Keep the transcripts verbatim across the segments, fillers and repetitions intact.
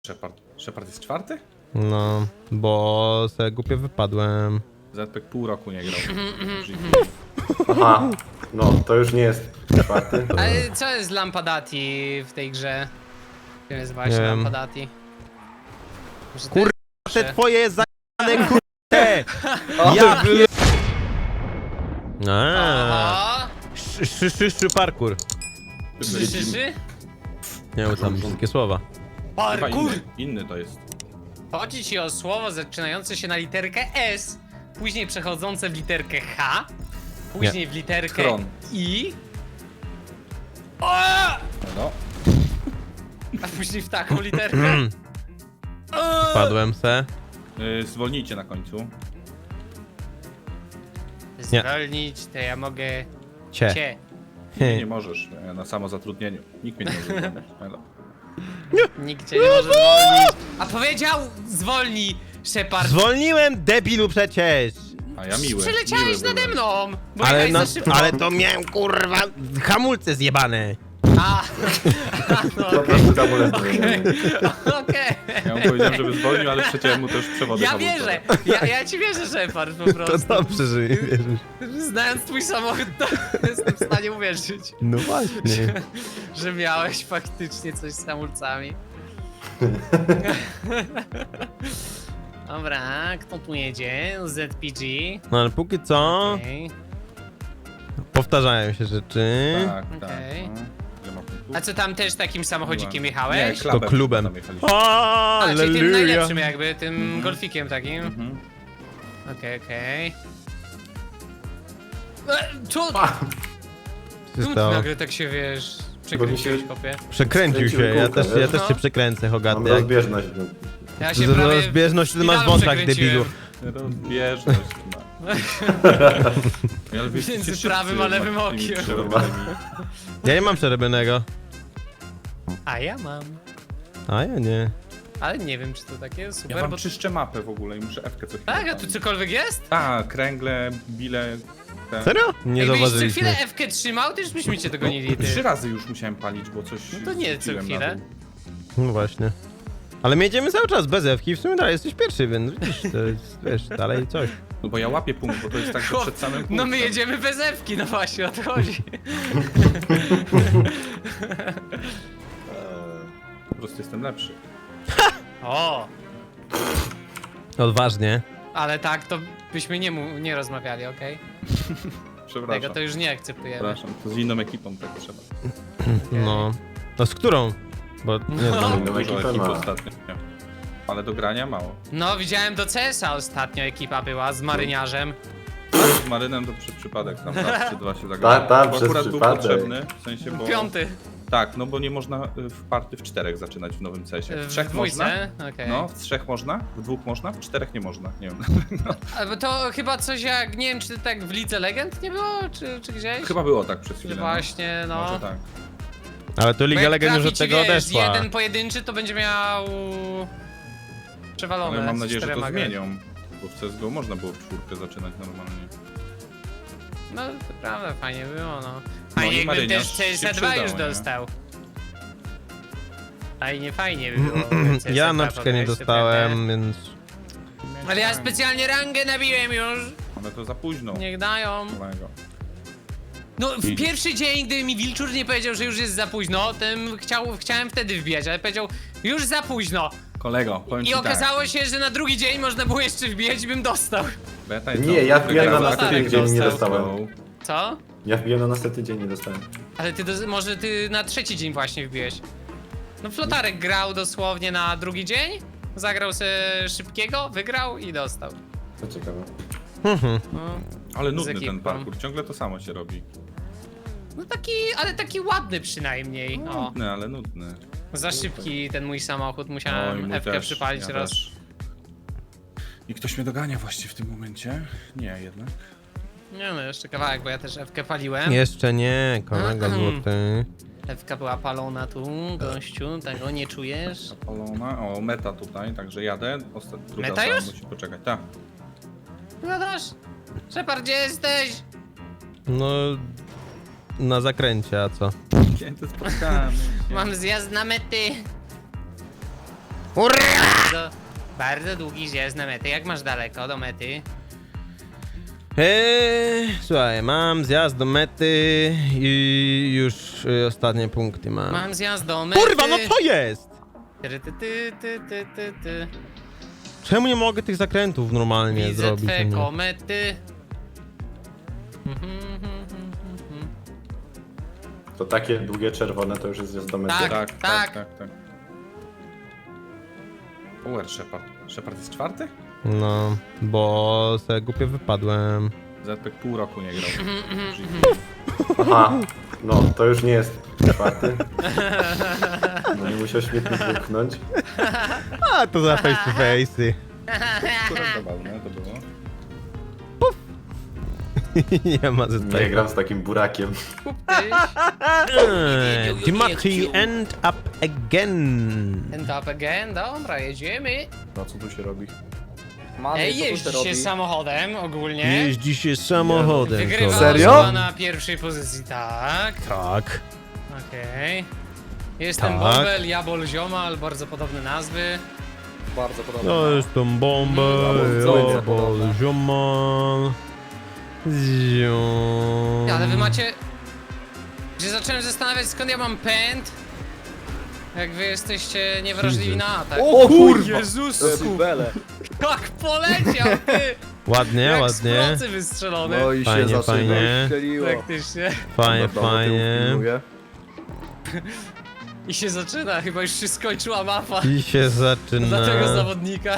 Shepard. Shepard jest czwarty? No, bo se głupio wypadłem. Zepek pół roku nie grał. Aha, no to już nie jest czwarty. Ale co jest Lampadati w tej grze? Kim jest Nie właśnie wiem. Lampadati? Może to Kur- jest Te lepsze? twoje zajane kurde! Ja pier... Aaa. Aha! Szy, szy, szy, szy, parkour. Szy, szy, szy? Nie wiem tam wszystkie słowa. Chyba Parkour! inny, inny to jest. Chodzi ci o słowo zaczynające się na literkę S, później przechodzące w literkę H, później w literkę Chron. I, o! No, A później w taką literkę. O! Padłem se. yy, zwolnijcie na końcu. Zwolnić, to ja mogę Cie. cię. Nie, nie możesz. Ja na samozatrudnieniu. Nikt mnie nie może zwolnić. Elo. Nikt cię nie może zwolnić. A powiedział zwolnij, Shepard. Zwolniłem, debilu przecież! A ja miły. Przeleciałeś miły nade byłem. mną, bo Ale, jechałeś no, za szybko. ale to miałem kurwa hamulce zjebane. A, no Po okej, prostu tabulety. okej. Ja mu powiedziałem, żeby zwolnił, ale przeciąłem mu też przewody Ja hamulcowe. wierzę, ja, ja ci wierzę, Shepard, po To prostu. dobrze, że mi wierzysz. Znając twój samochód, to jestem w stanie uwierzyć, No właśnie. że miałeś faktycznie coś z hamulcami. Dobra, kto tu jedzie? Z P G. No ale póki co Okej. powtarzają się rzeczy. Tak, tak. Okej. No. Ile ma punktów? A co tam też takim samochodzikiem Nie, jechałeś? To klubem. tam jechaliśmy. A, czyli tym Alleluja. najlepszym jakby, tym Mhm. golfikiem takim. Mhm. Okej, okej. E, Co? A, Co Czemu się ty stało? nagle tak się, wiesz, przekręciłeś, kopie? Przekręcił się, Skręciły ja kółka, też, ja wiesz? też się przekręcę, mam Hogaty. Jak... rozbieżność. Ja się Z- prawie Rozbieżność ty masz w szpitalu wątrach, przekręciłem. debilu. Rozbieżność ma. Ja lubię Między wszyscy prawym a lewym ma tymi okiem. przerobami. Ja nie mam przerobionego. A ja mam. A ja nie. Ale nie wiem, czy to takie super, Ja wam bo... czyszczę mapę w ogóle i muszę F-kę co chwilę Tak, a tu palić. cokolwiek jest? Tak, kręgle, bile... Te... Serio? Nie Jakbyś co zauważyliśmy. chwilę F-kę trzymał, to już byśmy cię dogonili, ty. Trzy razy już musiałem palić, bo coś... No to nie co zrzuciłem na chwilę. dół. No właśnie. Ale my jedziemy cały czas bez Ewki, w sumie dalej jesteś pierwszy, więc widzisz, to jest, wiesz, dalej coś. No bo ja łapię punkt, bo to jest tak, że Chłop, przed samym punktem. No my jedziemy bez F-ki, no właśnie, o to chodzi. Po prostu jestem lepszy. O, Odważnie. ale tak, to byśmy nie, mu, nie rozmawiali, okej? Przepraszam. Tego to już nie akceptujemy. Przepraszam, to z inną ekipą tak trzeba. No. No z którą? Bo nie No. znam. Inną Dużo ekipę ekip ma. ostatnio. Nie. Ale do grania mało. No, widziałem do C S a ostatnio ekipa była z maryniarzem. Z Marynem to przez przypadek tam raz czy dwa się zagrałem. Tak, tak, Bo przez akurat był przypadek. potrzebny, w sensie, bo... Piąty. Tak, no bo nie można y, w party w czterech zaczynać w nowym cesie. W W trzech można? dwójce, okej. No, w trzech można, w dwóch można, w czterech nie można, nie wiem. A, bo to chyba coś jak, nie wiem, czy tak w Lidze Legend nie było, czy, czy gdzieś? Chyba było tak przez Że chwilę. właśnie, no. no. Może tak. Ale to Bo Liga jak Legend już trafi od ci, tego wiesz, odeszła. jeden pojedynczy, to będzie miał... przewalone. Ale mam z nadzieję, że to czterema grać. zmienią. Bo w C S G O można było w czwórkę zaczynać normalnie. No, to prawda, fajnie było, no. i Fajnie, jakbym marynarz też C S dwa się przydał, już nie? dostał. Fajnie, fajnie by było. jakby C S Ja dwa na przykład nie podejść, dostałem, więc... prawda? Ale ja specjalnie rangę nabiłem już. Ale to za późno. Niech dają. Kolego. No, w Idź. pierwszy dzień, gdy mi Wilczur nie powiedział, że już jest za późno, tym chciał, chciałem wtedy wbijać, ale powiedział, już za późno. Kolego, powiem I ci okazało tak. się, że na drugi dzień można było jeszcze wbijać i bym dostał. Beta jest Nie, dobrze, ja wbijam na wygrała następny aktyw, dzień, nie dostał. dostałem. Co? Ja wbiłem na następny dzień, nie dostałem. Ale ty, do, może ty na trzeci dzień właśnie wbiłeś. No Flotarek grał dosłownie na drugi dzień, zagrał sobie szybkiego, wygrał i dostał. To ciekawe. No, Ale Z nudny ekipą. ten parkour, ciągle to samo się robi. no taki, ale taki ładny przynajmniej. O, Nudny, ale nudny. za szybki ten mój samochód, Oj, musiałem mój F-kę też, przypalić ja raz. też. I ktoś mnie dogania właśnie w tym momencie? Nie, jednak. Nie no, jeszcze kawałek, bo ja też F-kę paliłem. Jeszcze nie, kolega złoty. F-ka była palona tu, gościu, tego nie czujesz? Zapalona. O, meta tutaj, także jadę. Ostat... Druga Meta osoba już? musi poczekać. Tak. Gadasz? Shepard, gdzie jesteś? No... Na zakręcie, a co? Święte spotkamy. Mam zjazd na mety. Bardzo, bardzo długi zjazd na metę. Jak masz daleko do mety? Eee, słuchaj, mam zjazd do mety i już y, ostatnie punkty mam. Mam zjazd do mety. Kurwa, no co jest? Ty, ty, ty, ty, ty, ty, ty. Czemu nie mogę tych zakrętów normalnie Widzę zrobić? twe a nie? komety. To takie długie czerwone to już jest zjazd do mety. Tak. Tak, tak, tak, tak. Uer Shepard. Shepard jest czwarty? No, bo se głupio wypadłem. Zepek pół roku nie grał. Aha, no to już nie jest czwarty. No nie musiał śmietnik wypchnąć. A, to za face to face'y. Akurat zabawne to było. Nie ma ze Nie tego. gram z takim burakiem. Eee, Dimitri end up again. And up again, dobra, jedziemy. No co tu się robi? Mamy, Ej, co tu się jeździ robi? się samochodem ogólnie. Jeździ się samochodem. Wygrywa kolega. Serio? osoba na pierwszej pozycji, tak. Tak. Okej. Jestem Tak. Bobel, Jabol, Ziomal, bardzo podobne nazwy. Bardzo podobne. To jest tą bombę. Bardzo Ja, bo podobne. ziomal. Ziom. Ale wy macie... Że zacząłem zastanawiać, skąd ja mam pęd. Jak wy jesteście niewrażliwi na atak. O kurwa! Jezusku! Bele. Jak poleciał, ty! Ładnie, Jak z ładnie. procy wystrzelony. No i Fajnie, się zaczyna. fajnie. Strzeliło. Praktycznie. Fajnie, Dobra, do tyłu fajnie. pilnuję. I się zaczyna, chyba już się skończyła mapa. I się Dla tego zaczyna. zawodnika.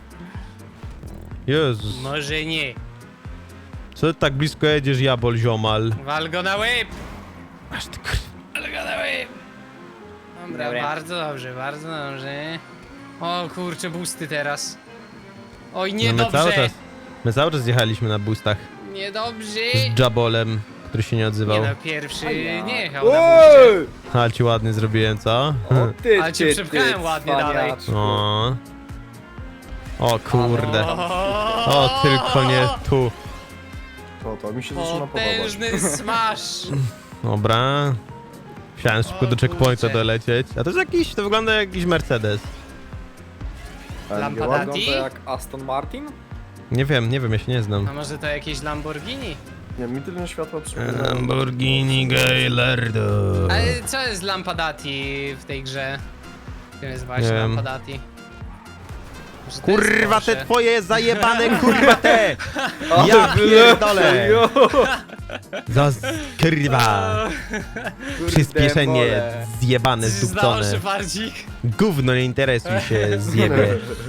Jezus. Może nie. Co ty tak blisko jedziesz, jabol ziomal? Wal go na łeb! Aż ty kur... Wal go na łeb! Dobra, Dobra. bardzo dobrze, bardzo dobrze. O kurczę, busty teraz. Oj, No my niedobrze! cały czas... My cały czas jechaliśmy na boostach Niedobrze! z Jabolem, który się nie Nie odzywał. no, pierwszy Ajaj. nie jechał na buście. Oj! Ale ci ładnie zrobiłem, co? O ty, Ale cię ty, przepchałem ty, ładnie cwaniaczku. O. O kurde. O, O, tylko nie tu. To, to mi się zaczyna podobać. Potężny smash! Dobra. Chciałem szybko O do checkpointa kurczę. dolecieć. A to jest jakiś, to wygląda jak jakiś Mercedes. A nie Lampadati? wygląda jak Aston Martin? Nie wiem, nie wiem, ja się nie znam. A może to jakieś Lamborghini? Nie, mi tyle światła przypomina. Lamborghini Gallardo. Ale co jest Lampadati w tej grze? Czym jest Nie właśnie wiem. Lampadati? Może to jest Kurwa te Porsche? twoje zajebane kurwa te! Ja pierdolę! Za z- kurwa! Przyspieszenie zjebane, Coś zdało się zdupcone. bardziej. Gówno, nie interesuj się, zjebie.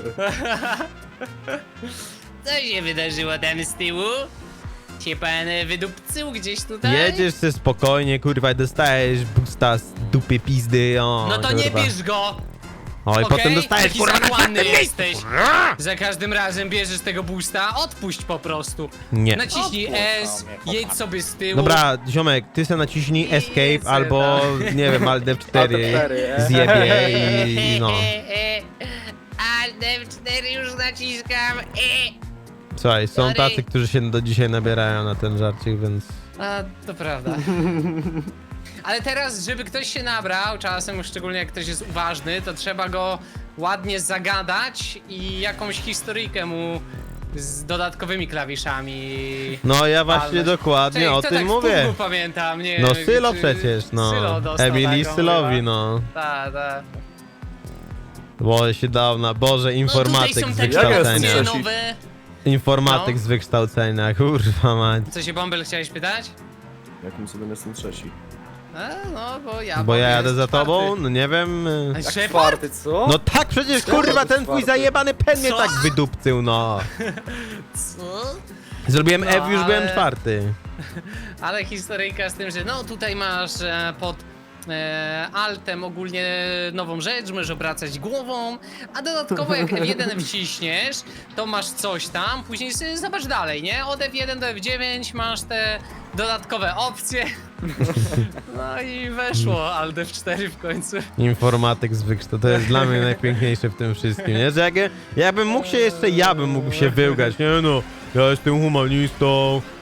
Co się wydarzyło tam z tyłu? Się pan e, wydupcył gdzieś tutaj? Jedziesz sobie spokojnie, kurwa, i dostajesz busta z dupy pizdy, o, No to kurwa. nie bierz go! O, i Okej? potem dostajesz, Taki kurwa, na zakładny czwartym miejscu. jesteś. Za każdym razem bierzesz tego boosta, odpuść po prostu. Nie. Naciśnij S, jedź sobie z tyłu. Dobra, ziomek, ty se naciśnij escape Jezu, albo, nie wiem, alt F cztery e. zjebie i no. Alt F cztery już naciskam. E. Słuchaj, są Sorry. tacy, którzy się do dzisiaj nabierają na ten żarcik, więc... A, to prawda. Ale teraz, żeby ktoś się nabrał, czasem szczególnie jak ktoś jest uważny, to trzeba go ładnie zagadać i jakąś historyjkę mu z dodatkowymi klawiszami. No ja właśnie palnąć. dokładnie Czekaj, o kto tym tak w mówię. pudlu pamiętam, nie No wiem, Sylo czy- przecież, no. Sylo dostał Emily taką Sylowi, chyba. no. Tak, tak. Bo się dał na, Boże, No informatyk tutaj są z takie wykształcenia. opcje Trzeci. nowe. Informatyk No. z wykształcenia, kurwa mać. Co się Bąbel chciałeś pytać? Jakim sobie jestem trzeci? A, no, bo ja Bo ja Bąbel jadę jest za tobą, czwarty. no nie wiem. y. A Jak Shepard? czwarty, co? No tak, przecież Czemu kurwa to ten twój czwarty? zajebany pen mnie Co? tak wydupcył, no. Co? Zrobiłem No, F, już ale- byłem czwarty. Ale historyjka z tym, że no tutaj masz e, pod e, altem ogólnie nową rzecz, możesz obracać głową, a dodatkowo jak F jeden wciśniesz, to masz coś tam, później sobie zobacz dalej, nie? Od F jeden do F dziewięć masz te dodatkowe opcje. No i weszło Alt F cztery w końcu. Informatyk z wykształcenia, to jest dla mnie najpiękniejsze w tym wszystkim, nie? Że jak, jakbym mógł się jeszcze, ja bym mógł się wyłgać, nie no. Ja jestem humanistą,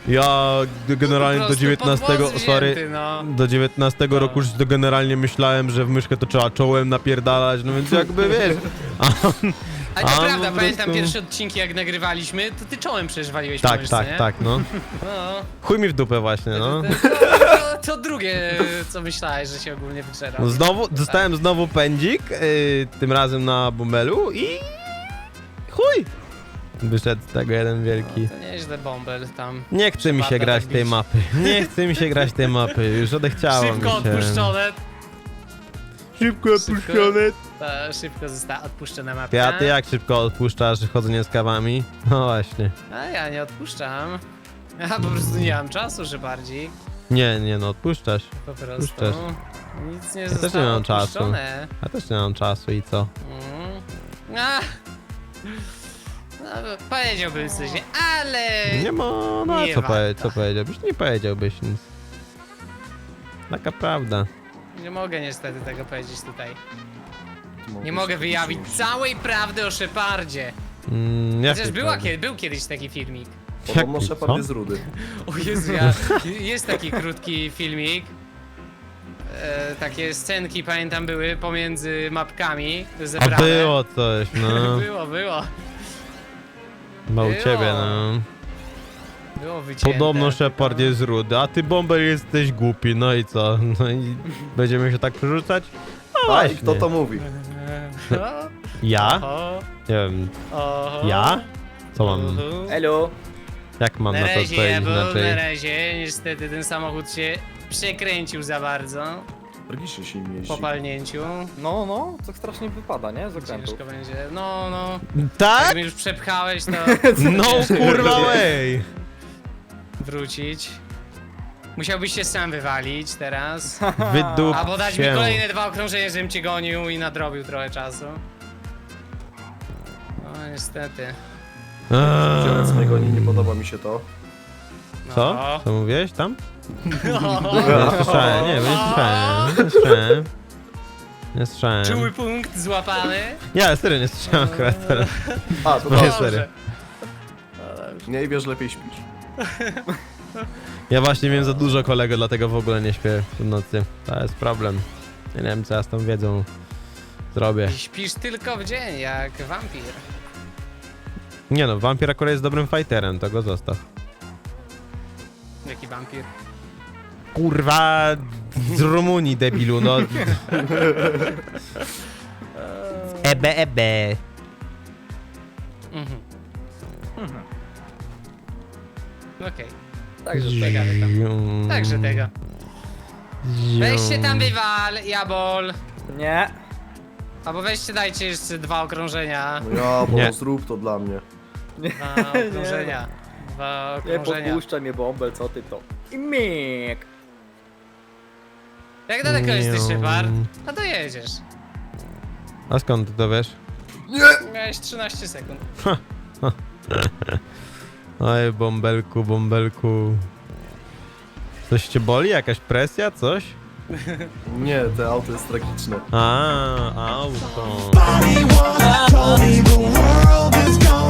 Ja generalnie Po do prostu dziewiętnastego, pod włos sorry, wzięty, no. do dziewiętnastego roku już to generalnie myślałem, że w myszkę to trzeba czołem napierdalać, no więc jakby wiesz. A, Ale to A, prawda, po pamiętam prostu- pierwsze odcinki jak nagrywaliśmy, to ty czołem przecież waliłeś tak, po myszce, tak, nie? tak, no. No. Chuj mi w dupę właśnie, no. To, to, to drugie, co myślałeś, że się ogólnie wygrzera. No znowu, dostałem znowu pędzik, yy, tym razem na bumbelu i chuj! Wyszedł z tego jeden wielki. To nieźle bąbel tam. Nie chce mi się Przepada grać tak tej bić. mapy. Nie chce mi się grać tej mapy, już odechciało mi się. Szybko odpuszczone. Szybko odpuszczone. Ta, szybko została odpuszczona mapka. Ja, ty jak szybko odpuszczasz chodzenie z kawami? No właśnie. A ja nie odpuszczam. Ja po prostu nie mam czasu, że bardziej. Nie, nie no, odpuszczasz. Po prostu. Puszczasz. Nic nie też nie zostało mam czasu. odpuszczone. Ja też nie mam czasu i co? Mm. A. No, powiedziałbym coś, nie? ale... Nie ma, no nie co, powie, warto. co powiedziałbyś? Nie powiedziałbyś nic. Taka prawda. Nie mogę niestety tego powiedzieć tutaj. Mogę Nie mogę się wyjawić poczuć. całej prawdy o Shepardzie. Mm, Chociaż jakiej była, prawdy? kiedy, był kiedyś taki filmik. Podobno Jaki, Shepard co? jest rudy. O Jezu, ja, jest taki krótki filmik. E, takie scenki, pamiętam, były pomiędzy mapkami zebrane. A było coś, no. Było, było. Chyba u Było. ciebie, no. Było wycięte. Podobno Shepard tylko- jest rudy, a ty Bąbel jesteś głupi, no i co? No i będziemy się tak przerzucać? No A i właśnie. kto to mówi? O, Ja? oho, Nie wiem, oho. ja? Co mam, Oho. Elo! jak mam Na na to razie, odpowiedzieć ja był, na inaczej? razie, niestety ten samochód się przekręcił za bardzo Tragicznie się im jeździ. po palnięciu. No, no, to strasznie wypada, nie? Z okrętów. Ciężko będzie. No, no. Tak? Jak mnie już przepchałeś, to No kurwa way! wrócić. Musiałbyś się sam wywalić teraz. Wydup Albo dać mi się. kolejne dwa okrążenia, żebym cię gonił i nadrobił trochę czasu. No niestety. Eee. Zielec mnie goni, nie podoba mi się to. No. Co? Co mówiłeś tam? No. Nie słyszałem, nie, nie słyszałem, nie słyszałem. Nie słyszałem. Czuły punkt złapany. Nie, serio nie słyszałem akurat teraz. A, to Nie, tak. serio. Dobrze. Nie wiesz, lepiej śpisz. Ja właśnie miałem za dużo kolego, dlatego w ogóle nie śpię w nocy. To jest problem. Ja nie wiem, co ja z tą wiedzą zrobię. I śpisz tylko w dzień, jak wampir. Nie no, wampir akurat jest dobrym fighterem, to go zostaw. Jaki wampir? Kurwa, z Rumunii, debilu, no. Ebe, ebe. Mhm. Okej, Także czekamy tam. Zium. Także tego. Zium. Weźcie tam wywal, jabol. Nie. Albo weźcie dajcie jeszcze dwa okrążenia. No ja, bo Nie. zrób to dla mnie. Dwa okrążenia. Dwa Nie okrążenia. podpuszczaj mnie bąbel, co ty to? I myk. Jak daleko jesteś, Zium. Shepard? A to jedziesz. A skąd ty to wiesz? Miałeś trzynaście sekund. Oj, bąbelku, bąbelku. Coś cię boli? Jakaś presja? Coś? Nie, te auto jest tragiczne. A, auto. Body wanna tell me the world is gone.